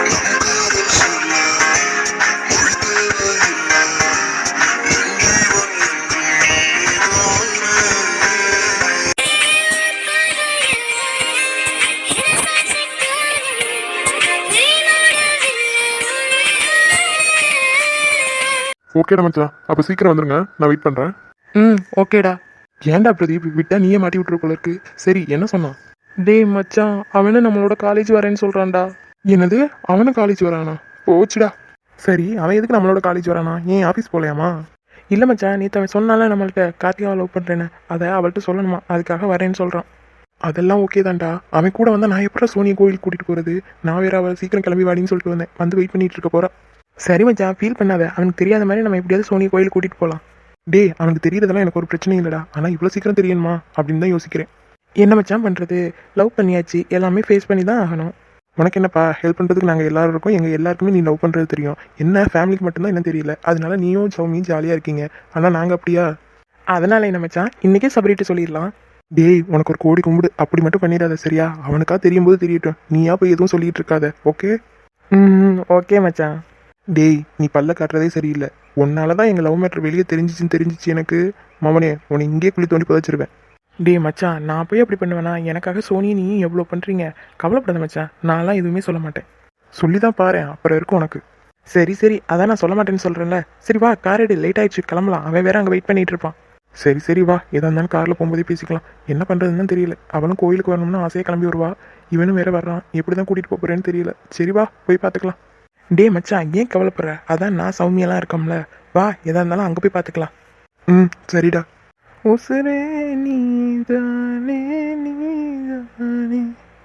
ஓகேடா மச்சான், அப்போ சீக்கிரம் வந்துருங்க, நான் வெயிட் பண்ணுறேன். ஓகேடா. ஏன்டா பிரதீப், விட்டா நீயே மாட்டி விட்டுரு போல இருக்கு. சரி, என்ன சொன்னான்? டேய் மச்சான், அவனு நம்மளோட காலேஜ் வரேன்னு சொல்கிறான்டா. என்னது, அவனும் காலேஜ் வரானா? போச்சுடா. சரி, அவன் எதுக்கு நம்மளோட காலேஜ் வரானா? ஏன் ஆஃபீஸ் போகலையாமா? இல்லை மச்சான், நேற்று அவன் சொன்னால நம்மள்ட்ட கார்த்திகாவை லவ் பண்ணுறேன்னு, அதை அவள்கிட்ட சொல்லணுமா, அதுக்காக வரேன்னு சொல்கிறான். அதெல்லாம் ஓகே தான்டா. அவன் கூட வந்தால் நான் எப்படா சோனியை கோயிலுக்கு கூட்டிகிட்டு போகிறது? நான் வேற அவள் சீக்கிரம் கிளம்பி வாடின்னு சொல்லிட்டு வந்தேன், வந்து வெயிட் பண்ணிட்டு இருக்க போகிறா. சரி மச்சான், ஃபீல் பண்ணாத. அவனுக்கு தெரியாத மாதிரி நம்ம எப்படியாவது சோனியை கோயிலுக்கு கூட்டிகிட்டு போகலாம். டேய், அவனுக்கு தெரியறதெல்லாம் எனக்கு ஒரு பிரச்சனையும் இல்லைடா. ஆனால் இவ்வளோ சீக்கிரம் தெரியணுமா அப்படின்னு தான் யோசிக்கிறேன். என்ன மச்சான் பண்ணுறது, லவ் பண்ணியாச்சு, எல்லாமே ஃபேஸ் பண்ணி தான் ஆகணும். உனக்கு என்னப்பா, ஹெல்ப் பண்ணுறதுக்கு நாங்கள் எல்லாரும் இருக்கோம். எங்கள் எல்லாருக்குமே நீ லவ் பண்ணுறது தெரியும். என்ன ஃபேமிலிக்கு மட்டும்தான் என்ன தெரியல. அதனால நீயும் சௌமியும் ஜாலியாக இருக்கீங்க. ஆனால் நாங்கள் அப்படியா? அதனால என்ன மச்சான், இன்றைக்கே சபரிட்டு சொல்லிடலாம். டேய், உனக்கு ஒரு கோடி கும்பிடு, அப்படி மட்டும் பண்ணிடாத சரியா? அவனுக்கா தெரியும் போது தெரியட்டும், நீயா போய் எதுவும் சொல்லிட்டு இருக்காத, ஓகே? ஓகே மச்சான். டேய், நீ பல்ல காட்டுறதே சரியில்லை. உன்னால தான் எங்கள் லவ் மேட்ரு வெளியே தெரிஞ்சிச்சு எனக்கு. மவனே, உன்னை இங்கே குழி தோண்டி புதைச்சிருவேன். டேய் மச்சான், நான் போய் அப்படி பண்ணுவேனா? எனக்காக சோனி நீ எவ்வளோ பண்ணுறீங்க, கவலைப்படாத மச்சான். நான்லாம் எதுவுமே சொல்ல மாட்டேன். சொல்லி தான் பாரு, அப்புறம் இருக்கும் உனக்கு. சரி, அதான் நான் சொல்ல மாட்டேன்னு சொல்கிறேன்ல. சரி வா, கார் எடு, லேட் ஆயிடுச்சு, கிளம்பலாம். அவன் வேற அங்கே வெயிட் பண்ணிட்டு இருப்பான். சரி வா, எதா இருந்தாலும் காரில் போகும்போதே பேசிக்கலாம். என்ன பண்ணுறதுன்னு தெரியல. அவனும் கோயிலுக்கு வரணும்னு ஆசையாக கிளம்பி வருவா. இவனும் வேற வர்றான். எப்படி தான் கூட்டிகிட்டு போகிறேன்னு தெரியல. சரி வா, போய் பார்த்துக்கலாம். டே மச்சான், ஏன் கவலைப்படுற? அதான் நான் சௌமியெல்லாம் இருக்கோம்ல. வா, எதா இருந்தாலும் அங்கே போய் பார்த்துக்கலாம். சரிடா. உசுரே நீதானே நீதானே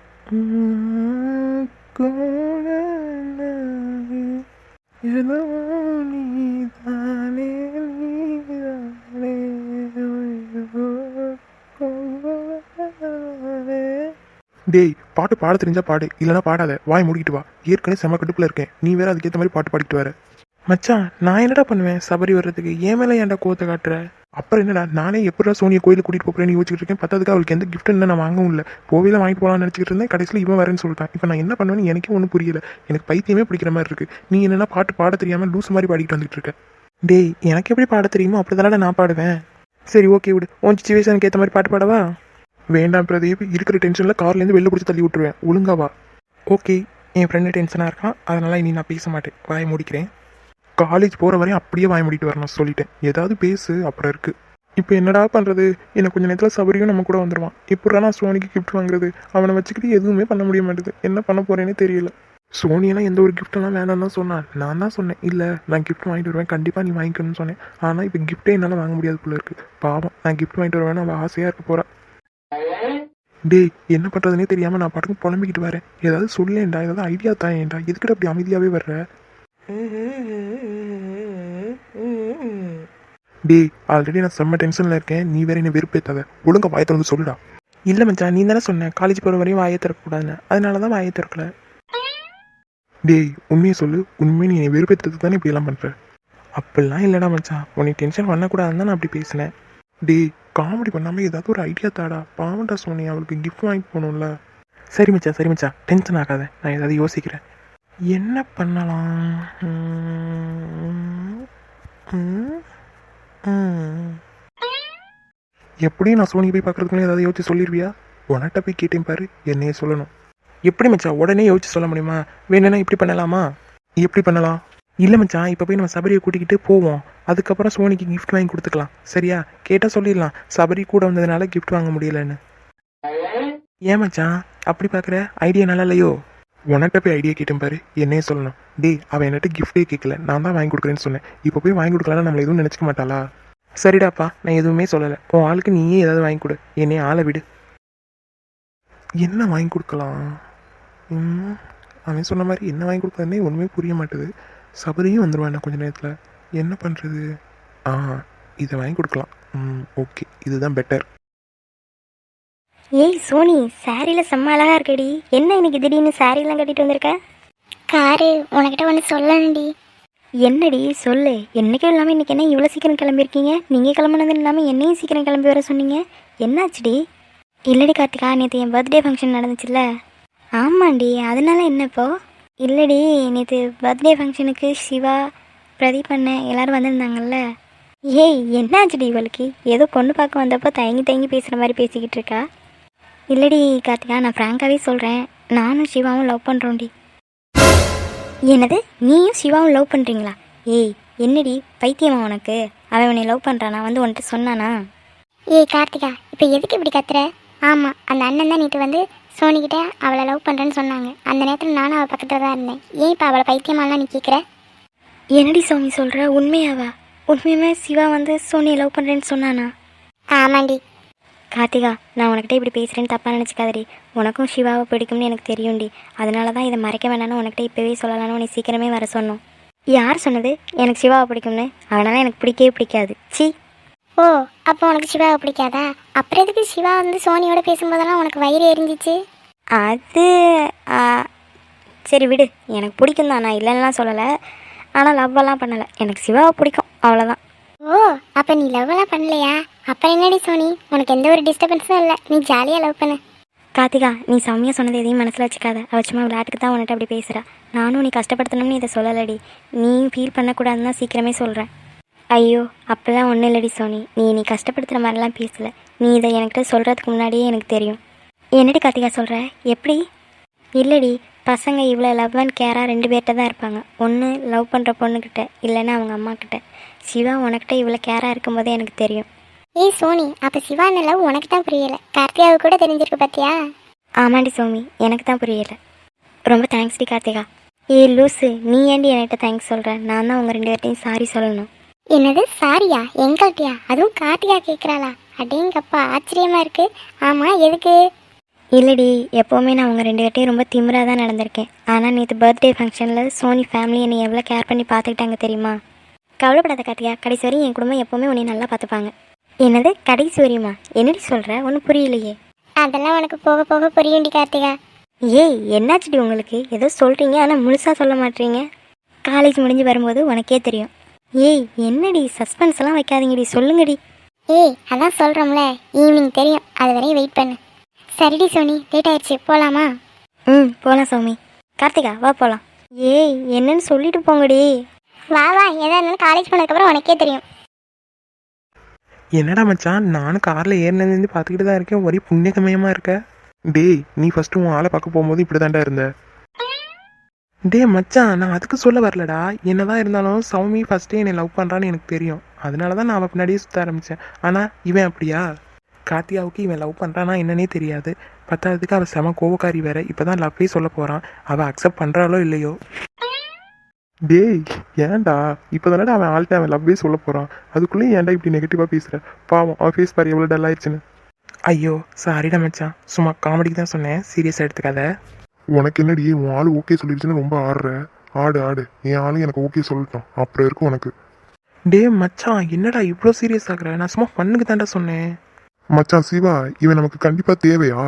ஏதோ நீதானே நீதானே. டேய், பாட்டு பாட தெரிஞ்சா பாடு, இல்லைனா பாடாத. வாய் மூடிக்கிட்டு வா. ஏற்கனவே செம கடுப்பில் இருக்கேன். நீ வேற அதுக்கேற்ற மாதிரி பாட்டு பாடிக்கிட்டு வர. மச்சான், நான் என்னடா பண்ணுவேன் சபரி வர்றதுக்கு? ஏன் மேலே ஏன்டா கோவத்தை காட்டுற? அப்புறம் என்னடா, நானே எப்படா சோனியை கோயிலுக்கு கூட்டிகிட்டு போகிறேன்னு யோசிச்சுட்டு இருக்கேன். பத்தாதுக்கு அவளுக்கு எந்த கிஃப்ட் என்ன நான் வாங்கவும் இல்லை. போவில வாங்கிட்டு போகலான்னு நினச்சிக்கிட்டு இருந்தேன். கடைசியில் இவன் வரேன்னு சொல்லிட்டான். இப்போ நான் என்ன பண்ணுவேன்னு எனக்கே ஒன்றும் புரியல. எனக்கு பைத்தியமே பிடிக்கிற மாதிரி இருக்கு. நீ என்னென்னா பாட்டு பாட தெரியாமல் லூஸ் மாதிரி பாடிக்கிட்டு வந்துட்டு இருக்க. டேய், எனக்கு எப்படி பாட தெரியுமோ அப்படி தானடா நான் பாடுவேன். சரி ஓகே விடு, உன் சிச்சுவேஷனுக்கு ஏற்ற மாதிரி பாட்டு பாடவா? வேண்டாம் பிரதீப், இருக்கிற டென்ஷனில் கார்லேருந்து வெளில பிடிச்சி தள்ளி விட்டுருவேன். ஒழுங்காவா? ஓகே, என் ஃப்ரெண்டு டென்ஷனாக இருக்கான், அதனால் இனி நான் பேச மாட்டேன். வாயை முடிக்கிறேன். காலேஜ் போகிற வரையும் அப்படியே வாய முடிட்டு வரணும் சொல்லிட்டேன். ஏதாவது பேசு, அப்புறம் இருக்குது. இப்போ என்னடா பண்ணுறது? எனக்கு கொஞ்சம் நேரத்தில் சபரியும் நம்ம கூட வந்துடுவான். இப்போடா நான் சோனிக்கு கிஃப்ட் வாங்குறது? அவனை வச்சுக்கிட்டு எதுவுமே பண்ண முடிய மாட்டேது. என்ன பண்ண போகிறேன்னே தெரியல. சோனியெல்லாம் எந்த ஒரு கிஃப்ட்டெல்லாம் வேணாம்னு தான் சொன்னான். நான் தான் சொன்னேன், இல்லை நான் கிஃப்ட் வாங்கிட்டு வருவேன், கண்டிப்பாக நீ வாங்கிக்கணும்னு சொன்னேன். ஆனால் இப்போ கிஃப்ட்டே என்னால் வாங்க முடியாது போல இருக்குது. பாவம், நான் கிஃப்ட் வாங்கிட்டு வருவேன்னு அவள் ஆசையாக இருக்க போகிறா. டேய், என்ன பண்ணுறதுனே தெரியாமல் நான் பாட்டுக்கு புலம்பிக்கிட்டு வரேன். ஏதாவது சொல்லேன்டா, ஏதாவது ஐடியா தான் ஏன்டா? எதுக்கிட்ட அப்படி அமைதியாகவே வர்ற? டேய், ஆல்ரெடி நான் செம்ம டென்ஷனில் இருக்கேன். நீ வேற என்ன வெறுப்பேத்தாத. ஒழுங்கா வாயை திறந்து சொல்லுடா. இல்லை மச்சான், நீ தானே சொன்ன காலேஜ் போகிற வரையும் வாயை திறக்கக்கூடாதுன்னு, அதனால தான் வாயை திறக்கல. டேய், உண்மையை சொல்லு. உண்மையை நீ என்னை வெறுப்பேற்றதுக்கு தானே இப்படியெல்லாம் பண்ணுற? அப்படிலாம் இல்லைடா மச்சான், உன்னை டென்ஷன் பண்ணக்கூடாதுன்னு தான் நான் அப்படி பேசினேன். டேய், காமெடி பண்ணாமல் ஏதாவது ஒரு ஐடியா தாடா. பாவண்டா சோனி, அவளுக்கு கிஃப்ட் வாங்கி போகணும்ல. சரி மச்சான், டென்ஷன் ஆகாத, நான் ஏதாவது யோசிக்கிறேன். என்ன பண்ணலாம்? எப்படியும் நான் சோனியை போய் பார்க்கறதுக்குள்ளே ஏதாவது யோசிச்சு சொல்லிடுவியா? உனட்ட போய் கேட்டேன் பாரு, என்னையே சொல்லணும். எப்படி மச்சான் உடனே யோசிச்சு சொல்ல முடியுமா? வேணும்னா இப்படி பண்ணலாமா? எப்படி பண்ணலாம்? இல்லை மச்சான், இப்போ போய் நம்ம சபரியை கூட்டிக்கிட்டு போவோம். அதுக்கப்புறம் சோனிக்கு கிஃப்ட் வாங்கி கொடுத்துக்கலாம். சரியா? கேட்டால் சொல்லிடலாம் சபரி கூட வந்ததுனால கிஃப்ட் வாங்க முடியலன்னு. ஏன் மச்சான் அப்படி பார்க்குற? ஐடியா நல்லா இல்லையோ? உனட்ட போய் ஐடியா கேட்டேன் பாரு, என்னையே சொல்லணும். டேய், அவன் என்கிட்ட கிஃப்டே கேட்கல, நான் தான் வாங்கி கொடுக்குறேன்னு சொன்னேன். இப்போ போய் வாங்கி கொடுக்கலான்னு நம்மளை எதுவும் நினச்சிக்க மாட்டாளா? சரிடாப்பா, நான் எதுவுமே சொல்லலை. உன் ஆளுக்கு நீயே ஏதாவது வாங்கி கொடு, என்னையே ஆளை விடு. என்ன வாங்கி கொடுக்கலாம்? அவன் சொன்ன மாதிரி என்ன வாங்கி கொடுக்குறதுனே ஒன்றுமே புரிய மாட்டுது. சபரியும் வந்துடுவான் கொஞ்சம் நேரத்தில். என்ன பண்ணுறது? இதை வாங்கி கொடுக்கலாம். ஓகே, இதுதான் பெட்டர். ஏய் சோனி, சாரியில் செம்ம அழகாக இருக்கடி. என்ன இன்னைக்கு திடீர்னு சாரிலாம் கட்டிட்டு வந்திருக்க? காரு, உனக்கிட்ட ஒன்று சொல்லணும்டி. என்னடி சொல்லு. என்றைக்கும் இல்லாமல் இன்றைக்கி என்ன இவ்வளோ சீக்கிரம் கிளம்பியிருக்கீங்க? நீங்கள் கிளம்புனது இல்லாமல் என்னையும் சீக்கிரம் கிளம்பி வர சொன்னீங்க. என்னாச்சுடி? இல்லடி கார்த்திகா, நேற்று என் பர்த்டே ஃபங்க்ஷன் நடந்துச்சுல்ல. ஆமாண்டி, அதனால என்ன இப்போ? இல்லடி, நேற்று பர்த்டே ஃபங்க்ஷனுக்கு சிவா, பிரதீப் அண்ணன் எல்லாரும் வந்திருந்தாங்கல்ல. ஏய், என்னாச்சுடி இவளுக்கு? ஏதோ பொண்ணு பார்க்க வந்தப்போ தயங்கி தயங்கி பேசுகிற மாதிரி பேசிக்கிட்டு இருக்கா. இல்லடி கார்த்திகா, நான் ஃப்ராங்காகவே சொல்கிறேன், நானும் சிவாவும் லவ் பண்ணுறோண்டி. என்னது, நீயும் சிவாவும் லவ் பண்ணுறீங்களா? ஏய், என்னடி பைத்தியமா உனக்கு? அவன் உன்னை லவ் பண்ணுறானா? வந்து உன்கிட்ட சொன்னானா? ஏய் கார்த்திகா, இப்போ எதுக்கு இப்படி கத்துற? ஆமாம், அந்த அண்ணன் தான் நேற்று வந்து சோனிக்கிட்ட அவளை லவ் பண்ணுறேன்னு சொன்னாங்க. அந்த நேரத்தில் நானும் அவள் பக்கத்தில் தான் இருந்தேன். ஏன் இப்போ அவளை பைத்தியமாலாம் நீ கேட்குற? என்னடி சோமி சொல்கிற? உண்மையாவா? உண்மையுமே சிவா வந்து சோனியை லவ் பண்ணுறேன்னு சொன்னானா? ஆமாண்டி. கார்த்திகா, நான் உனக்கிட்ட இப்படி பேசுகிறேன்னு தப்பாக நினச்சிக்காதடி. உனக்கும் சிவாவை பிடிக்கும்னு எனக்கு தெரியும்டி. அதனால தான் இதை மறைக்க வேண்டாம்னு உனக்கிட்ட இப்போவே சொல்லலான்னு உன்னை சீக்கிரமே வர சொன்னோம். யார் சொன்னது எனக்கு சிவாவை பிடிக்கும்னு? அவனால் எனக்கு பிடிக்கவே பிடிக்காது. சி. ஓ, அப்போ உனக்கு சிவாவை பிடிக்காதா? அப்புறம் எதுக்கு சிவா வந்து சோனியோட பேசும்போதெல்லாம் உனக்கு வயிறு எரிஞ்சிச்சு? அது சரி விடு, எனக்கு பிடிக்கும் தான், நான் இல்லைன்னுலாம் சொல்லலை. ஆனால் லவ்வெல்லாம் பண்ணலை. எனக்கு சிவாவை பிடிக்கும், அவ்வளோதான். ஓ, அப்போ நீ லவ்வெல்லாம் பண்ணலையா? அப்புறம் என்னடி சோனி, உனக்கு எந்த ஒரு டிஸ்டர்பன்ஸும் இல்லை, நீ ஜாலியாக லவ் பண்ணு. கார்த்திகா, நீ சௌமியா சொன்னது எதையும் மனசில் வச்சுக்காத. அவள் சும்மா விளையாட்டுக்கு தான் உன்கிட்ட அப்படி பேசுகிறா. நானும் நீ கஷ்டப்படுத்தணும்னு இதை சொல்லலடி. நீ ஃபீல் பண்ணக்கூடாதுன்னு தான் சீக்கிரமே சொல்கிறேன். ஐயோ, அப்போல்லாம் ஒன்றும் இல்லடி சோனி, நீ கஷ்டப்படுத்துகிற மாதிரிலாம் பேசலை. நீ இதை என்கிட்ட சொல்கிறதுக்கு முன்னாடியே எனக்கு தெரியும். என்னடி கார்த்திகா சொல்கிற? எப்படி? இல்லடி, பசங்க இவ்வளோ லவ் அண்ட் கேராக 2 பேர்கிட்ட தான் இருப்பாங்க. ஒன்று லவ் பண்ணுற பொண்ணுக்கிட்ட, இல்லைன்னா அவங்க அம்மா கிட்ட. சிவா உனக்கிட்ட இவ்வளோ கேராக இருக்கும்போதே எனக்கு தெரியும். ஏய் சோனி, அப்போ சிவான லவ் உனக்கு தான் புரியலை, கார்த்தியாவுக்கு கூட தெரிஞ்சிருக்கு பார்த்தியா? ஆமாண்டி சோமி, எனக்கு தான் புரியலை. ரொம்ப தேங்க்ஸ்டி கார்த்திகா. ஏய் லூஸு, நீ ஏண்டி என்கிட்ட தேங்க்ஸ் சொல்கிற? நான் தான் உங்கள் 2 பேர்ட்டையும் சாரி சொல்லணும். என்னது சாரியா? எங்கள்கிட்டயா? அதுவும் கார்த்திகா கேட்குறாளா? அடேங்கப்பா, ஆச்சரியமா இருக்கு. ஆமாம், எதுக்கு? இல்லடி, எப்போவுமே நான் உங்கள் 2 பேர்ட்டையும் ரொம்ப திமிராக தான் நடந்திருக்கேன். ஆனால் நேற்று பர்த்டே ஃபங்க்ஷனில் சோனி ஃபேமிலி என்னை எவ்வளோ கேர் பண்ணி பார்த்துக்கிட்டாங்க தெரியுமா? கவலைப்படாத கார்த்திகா, கடைசி வரையும் என் குடும்பம் எப்போவுமே உன்னை நல்லா பார்த்துப்பாங்க. என்னது கடைசி வரையுமா? என்னடி சொல்கிற? ஒன்றும் புரியலையே. அதெல்லாம் உனக்கு போக போக புரியும்டி கார்த்திகா. ஏய், என்னாச்சுடி உங்களுக்கு? ஏதோ சொல்கிறீங்க, ஆனால் முழுசாக சொல்ல மாட்டீங்க. காலேஜ் முடிஞ்சு வரும்போது உனக்கே தெரியும். ஏய், என்னடி சஸ்பென்ஸ் எல்லாம் வைக்காதீங்கடி, சொல்லுங்கடி. ஏய், அதான் சொல்கிறோம்ல, ஈவினிங் தெரியும், அது வரையும் வெயிட் பண்ணு. சரிடி சோனி, லேட் ஆயிடுச்சு, போகலாமா? போகலாம் சௌமி. கார்த்திகா வா போகலாம். ஏய், என்னன்னு சொல்லிட்டு போங்கடி. வா வா, எதா இருந்தாலும் காலேஜ் போனதுக்கப்புறம் உனக்கே தெரியும். என்னடா மச்சான், நானும் காரில் ஏறினதுலேருந்து பார்த்துக்கிட்டு தான் இருக்கேன், ஒரே புண்ணியகமயமாக இருக்க. டேய், நீ ஃபஸ்ட்டு உன் ஆளை பார்க்க போகும்போது இப்படி தாண்டா இருந்த. டே மச்சான், நான் அதுக்கு சொல்ல வரலடா. என்னதான் இருந்தாலும் சௌமி ஃபஸ்ட்டே என்னை லவ் பண்ணுறான்னு எனக்கு தெரியும். அதனால தான் நான் அவள் பின்னாடியே சுற்ற ஆரம்பித்தேன். ஆனால் இவன் அப்படியா? கார்த்தியாவுக்கு இவன் லவ் பண்ணுறானா என்னன்னே தெரியாது. பத்தாவதுக்கு அவள் செம கோவக்காரி வேற. இப்போ தான் லவ்வே சொல்ல போகிறான். அவள் அக்செப்ட் பண்ணுறாளோ இல்லையோ. டேய், ஏன்டா இப்போ தானடா அவன் ஆள்கிட்ட அவன் லவ்வே சொல்ல போகிறான், அதுக்குள்ளேயும் ஏன்டா இப்படி நெகட்டிவாக பேசுகிற? பாவம், அவன் ஃபேஸ் பாரு எவ்வளோ டல் ஆயிடுச்சுன்னு. ஐயோ சாரிடா மச்சான், சும்மா காமெடிக்கு தான் சொன்னேன், சீரியஸாக எடுத்துக்காத. உனக்கு என்னடி, உன் ஆள் ஓகே சொல்லிடுச்சுன்னு ரொம்ப ஆடுற? ஆடு ஆடு, என் ஆளும் எனக்கு ஓகே சொல்லட்டும், அப்புறம் இருக்கும் உனக்கு. டே மச்சான், என்னடா இவ்வளோ சீரியஸ் ஆகுற? நான் சும்மா பண்ணுக்கு தாண்டா சொன்னேன். மச்சான் சிவா, இவன் நமக்கு கண்டிப்பாக தேவையா?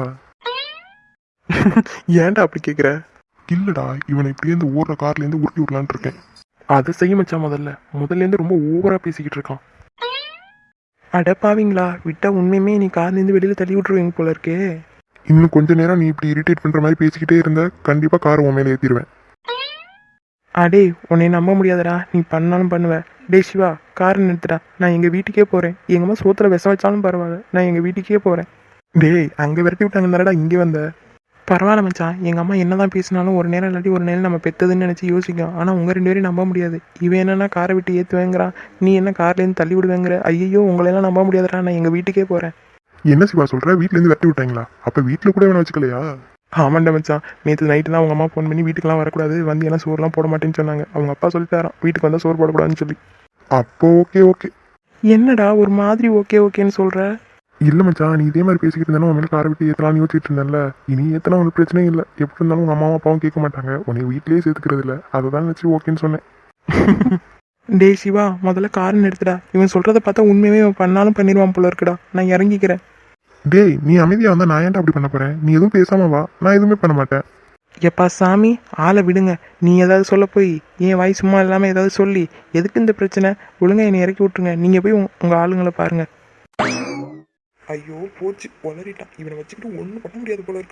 ஏன்டா அப்படி கேட்குற? இல்லடா, இவனை இப்படியே ஓடுற கார்லேருந்து உருட்டி விடலான்னு இருக்கேன். அதை செய்ய மச்சான், முதல்லேருந்து ரொம்ப ஓவராக பேசிக்கிட்டு இருக்கான். அடப்பாவீங்களா, விட்டா உண்மையுமே நீ கார்லேருந்து வெளியில் தள்ளி விட்ருவீங்க போல இருக்கே. இன்னும் கொஞ்ச நேரம் நீ இப்படி இரிட்டேட் பண்ணுற மாதிரி பேசிக்கிட்டே இருந்த, கண்டிப்பாக காரை உன் மேலே ஏற்றிடுவேன். அடே, உன்னை நம்ப முடியாதடா, நீ பண்ணாலும் பண்ணுவ. டே சிவா, காரை நிறுத்துடா, நான் எங்கள் வீட்டுக்கே போகிறேன். எங்கள் அம்மா சோத்துல விஷம் வச்சாலும் பரவாயில்ல, நான் எங்கள் வீட்டுக்கே போகிறேன். டேய், அங்கே விரட்டி விட்டாங்கன்னாடா இங்கே வந்த. பரவாயில்ல மச்சான், எங்கள் அம்மா என்ன தான் பேசினாலும் ஒரு நேரம் இல்லாட்டி ஒரு நேரம் நம்ம பெற்றதுன்னு நினச்சி யோசிக்கும். ஆனால் உங்கள் 2 பேரையும் நம்ப முடியாது. இவன் என்னன்னா காரை விட்டு ஏற்றுவேங்கிறான், நீ என்ன கார்லேருந்து தள்ளி விடுவேங்கிற. ஐயோ, உங்களெல்லாம் நம்ப முடியாதுடா, நான் எங்கள் வீட்டுக்கே போகிறேன். என்ன சிவா சொல்கிற? வீட்டிலேருந்து விரட்டி விட்டாங்களா? அப்போ வீட்டில் கூட வேணும் வச்சுக்கலையா? ஆமாண்டா மச்சான், நேற்று நைட்டு தான் அவங்க அம்மா ஃபோன் பண்ணி வீட்டுக்கெலாம் வரக்கூடாது, வந்து எல்லாம் சோறுலாம் போட மாட்டேன்னு சொன்னாங்க. அவங்க அப்பா சொல்லித்தாரான், வீட்டுக்கு வந்தால் சோறு போடக்கூடாதுன்னு சொல்லி. அப்போ ஓகே ஓகே. என்னடா ஒரு மாதிரி ஓகே ஓகேன்னு சொல்கிற? இல்லை மச்சான், நீ இதே மாதிரி பேசிக்கிட்டு இருந்தாலும் உன் மேலே காரை விட்டு ஏற்றலாம்னு யோசிச்சுட்டு இருந்தேன்ல. இனி ஏற்றினா ஒரு பிரச்சனையும் இல்லை. எப்படி இருந்தாலும் உங்கள் அம்மாவும் அப்பாவும் கேட்க மாட்டாங்க, உன்னை வீட்டிலேயே சேர்த்துக்கிறது இல்லை. அதை தான் நினச்சி ஓகேன்னு சொன்னேன். டே சிவா, முதல்ல காரை நிறுத்துடா. இவன் சொல்கிறத பார்த்தா உண்மையுமே இவன் பண்ணாலும் பண்ணிடுவான் போல இருக்குடா. நான் இறங்கிக்கிறேன். டேய், நீ அமைதியாக வந்தால் நான் ஏன்டா அப்படி பண்ண போகிறேன்? நீ எதுவும் பேசாம வா, நான் எதுவுமே பண்ண மாட்டேன். எப்பா சாமி, ஆளை விடுங்க. நீ ஏதாவது சொல்ல போய் என் வாய் சும்மா இல்லாமல் ஏதாவது சொல்லி எதுக்கு இந்த பிரச்சனை? ஒழுங்கா என்னை இறக்கி விட்டுருங்க. நீங்கள் போய் உங்கள் ஆளுங்களை பாருங்கள். ஐயோ போச்சு, உளறிட்டான். இவனை வச்சுக்கிட்டு ஒன்றும் பண்ண முடியாது போல இருக்கு.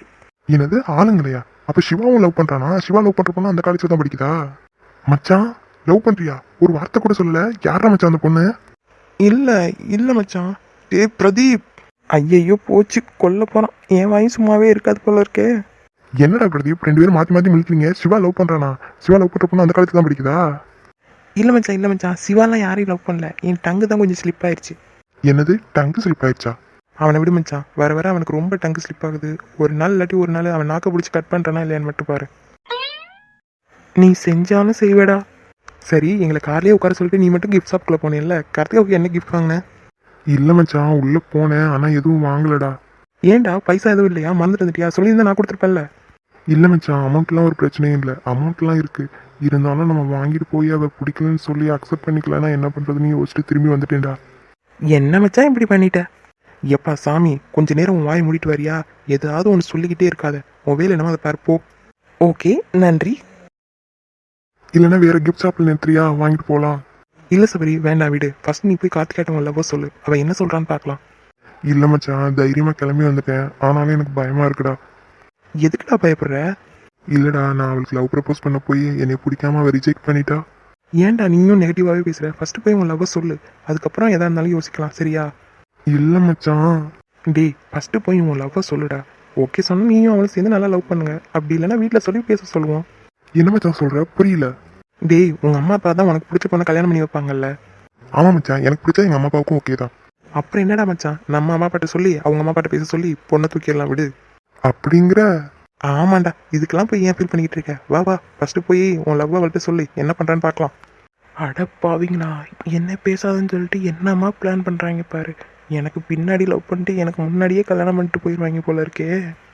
என்னது ஆளுங்களையா? அப்ப சிவாவும் லவ் பண்றானா? சிவா லவ் பண்ற பொண்ணு அந்த காலேஜ்ல தான் படிக்குதா? மச்சான் லவ் பண்றியா? ஒரு வார்த்தை கூட சொல்லல. யாரா மச்சான் அந்த பொண்ணு? இல்லை இல்லை மச்சான். டேய் பிரதீப். ஐயையோ போச்சு, கொல்ல போகிறான். என் வாயும் சும்மாவே இருக்காது போல இருக்கே. என்னடா பிரதீப், ரெண்டு பேரும் மாத்தி மாத்தி மிளிக்கிறீங்க. சிவா லவ் பண்றானா? சிவா லவ் பண்ற பொண்ணு அந்த காலேஜ்ல தான் படிக்குதா? இல்லை மச்சான், சிவாலாம் யாரையும் லவ் பண்ணல. என் டங்கு தான் கொஞ்சம் ஸ்லிப் ஆயிடுச்சு. என்னது டங்கு ஸ்லிப் ஆயிடுச்சா? அவனை விடு மச்சான், வர வர அவனுக்கு ரொம்ப டங்கு ஸ்லிப் ஆகுது. ஒரு நாள் இல்லாட்டி ஒரு நாள் அவன் நாக்க பிடிச்சி கட் பண்ணுறானா இல்லையான்னு மட்டும் பாரு. நீ செஞ்சாலும் செய்வேடா. சரி, எங்களை கார்லேயே உட்கார சொல்லிட்டு நீ மட்டும் கிஃப்ட் ஷாப்குள்ளே போனேன்ல, கார்த்திகாவுக்கு என்ன கிஃப்ட் வாங்கின? இல்ல மச்சான், உள்ள போனேன் ஆனா எதுவும் வாங்கலடா. ஏன்டா, பைசா எதுவும் இல்லையா? மறந்துட்டு வந்துட்டியா? சொல்லியிருந்தா நான் கொடுத்துருப்பேன்ல. இல்ல மச்சான், அமௌண்ட்லாம் ஒரு பிரச்சனையும் இல்லை. அமௌண்ட்லாம் இருக்கு. இருந்தாலும் நம்ம வாங்கிட்டு போய் அவ பிடிக்கலன்னு சொல்லி அக்செப்ட் பண்ணிக்கலன்னா என்ன பண்றதுன்னு யோசிச்சுட்டு திரும்பி வந்துட்டேன்டா. என்ன மச்சான் இப்படி பண்ணிட்ட? எப்பா சாமி, கொஞ்ச நேரம் உன் வாய் மூடிட்டு வரியா? ஏதாவது ஒன்று சொல்லிக்கிட்டே இருக்காத. உன் வேலை என்னமோ அதை பாரு போ. ஓகே, நன்றி. இல்லைன்னா வேற கிஃப்ட் ஷாப்ல நிறுத்துறியா? வாங்கிட்டு போலாம். இல்லை சபரி, வேண்டாம் விடு. ஃபர்ஸ்ட் நீ போய் கார்த்திகாட்ட உன் லவ்வ சொல்லு. அவள் என்ன சொல்கிறான்னு பார்க்கலாம். இல்ல மச்சான், தைரியமா கிளம்பி வந்துட்டேன். ஆனாலும் எனக்கு பயமா இருக்குடா. எதுக்குடா பயப்படுற? இல்லடா, நான் அவளுக்கு லவ் ப்ரப்போஸ் பண்ண போய் என்னை பிடிக்காம அவ ரிஜெக்ட் பண்ணிட்டா. ஏன்டா நீயும் நெகட்டிவாகவே பேசுகிற? ஃபர்ஸ்ட் போய் உன் லவ்வ சொல்லு. அதுக்கப்புறம் எதா இருந்தாலும் யோசிக்கலாம், சரியா? இல்ல மச்சான். டேய், ஃபர்ஸ்ட் போய் உன் லவ்வ சொல்லுடா. ஓகே சொன்னா நீயும் அவளை சேர்ந்து நல்லா லவ் பண்ணுங்க. அப்படி இல்லைன்னா வீட்டில் சொல்லி பேச சொல்லுவோம். என்ன மச்சான் சொல்ற? புரியல. டேய், உங்கள் அம்மா அப்பா தான் உனக்கு பிடிச்ச பொண்ணை கல்யாணம் பண்ணி வைப்பாங்கல்ல. ஆமா மச்சான், எனக்கு பிடிச்சா எங்க அம்மா அப்பாவுக்கும் ஓகே தான். அப்புறம் என்னடா மச்சான், நம்ம அம்மா அப்பாட்ட சொல்லி அவங்க அம்மா அப்பாட்ட பேச சொல்லி பொண்ணை தூக்கிடலாம், விடு. அப்படிங்கிற? ஆமாண்டா, இதுக்கெல்லாம் போய் ஏன் ஃபீல் பண்ணிக்கிட்டு இருக்க? வா வா, ஃபர்ஸ்ட் போய் உன் லவ் அவள்கிட்ட சொல்லி என்ன பண்ணுறான்னு பார்க்கலாம். அடப்பாவீங்களா, என்ன பேசாதுன்னு சொல்லிட்டு என்னம்மா பிளான் பண்ணுறாங்க பாரு. எனக்கு பின்னாடி லவ் பண்ணிட்டு எனக்கு முன்னாடியே கல்யாணம் பண்ணிட்டு போயிடுவாங்க போல இருக்கே.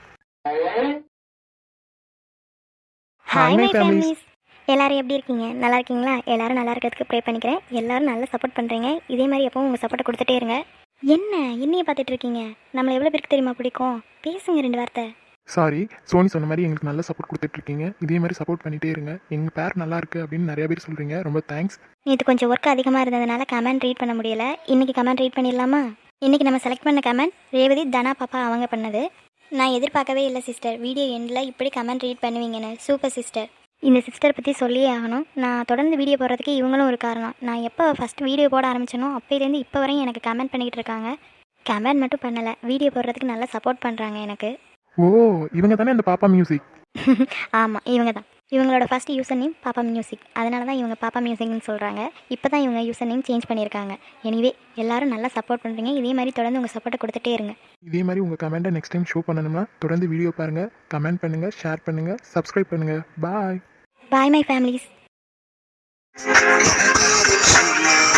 ஹாய் மை ஃபேமிலிஸ், எல்லாரும் எப்படி இருக்கீங்க? நல்லா இருக்கீங்களா? எல்லாரும் நல்லா இருக்கிறதுக்கு ப்ரே பண்ணிக்கிறேன். எல்லாரும் நல்லா சப்போர்ட் பண்ணுறீங்க. இதே மாதிரி எப்பவும் உங்கள் சப்போர்ட்டை கொடுத்துட்டே இருங்க. என்னையே பார்த்துட்டு இருக்கீங்க? நம்மளை எவ்வளோ பேருக்கு தெரியுமா பிடிக்கும்? பேசுங்க ரெண்டு வார்த்தை. சாரி, சோனி சொன்ன மாதிரி எங்களுக்கு நல்ல சப்போர்ட் கொடுத்துட்ருக்கீங்க. இதே மாதிரி சப்போர்ட் பண்ணிகிட்டே இருங்க. எங்கள் பேர் நல்லா இருக்குது அப்படின்னு நிறைய பேர் சொல்கிறீங்க, ரொம்ப தேங்க்ஸ். நேற்று கொஞ்சம் ஒர்க் அதிகமாக இருந்ததுனால கமெண்ட் ரீட் பண்ண முடியல. இன்றைக்கி கமெண்ட் ரீட் பண்ணிடலாமா? இன்றைக்கி நம்ம செலக்ட் பண்ண கமெண்ட் ரேவதி தனா பாப்பா அவங்க பண்ணது. நான் எதிர்பார்க்கவே இல்லை சிஸ்டர், வீடியோ எண்டில் இப்படி கமெண்ட் ரீட் பண்ணுவீங்கன்னு. Super sister. இந்த சிஸ்டர் பற்றி சொல்லியே ஆகணும். நான் தொடர்ந்து வீடியோ போடுறதுக்கு இவங்களும் ஒரு காரணம். நான் எப்போ ஃபஸ்ட் வீடியோ போட ஆரம்பிச்சேனோ அப்போலேருந்து இப்போ வரையும் எனக்கு கமெண்ட் பண்ணிக்கிட்டு இருக்காங்க. கமெண்ட் மட்டும் பண்ணலை, வீடியோ போடுறதுக்கு நல்லா சப்போர்ட் பண்ணுறாங்க எனக்கு. ஓ, இவங்க தானே அந்த பாப்பா மியூசிக்? ஆமாம், இவங்க தான். இவங்களோட first user name Pappa music. அதனால தான் இவங்க பாப்பா மியூசிக்னு சொல்கிறாங்க. இப்போ தான் இவங்க யூசர் நேம் சேஞ்ச் பண்ணியிருக்காங்க. எனிவே, எல்லாரும் நல்லா சப்போர்ட் பண்ணுறீங்க. இதே மாதிரி தொடர்ந்து உங்கள் சப்போர்ட்டை கொடுத்துட்டே இருங்க. இதே மாதிரி உங்கள் கமெண்ட்டை நெக்ஸ்ட் டைம் ஷோ பண்ணணும்னா தொடர்ந்து வீடியோ பாருங்கள், கமெண்ட் பண்ணுங்கள், ஷேர் பண்ணுங்கள், சப்ஸ்கிரைப் பண்ணுங்கள். பாய். Bye my families.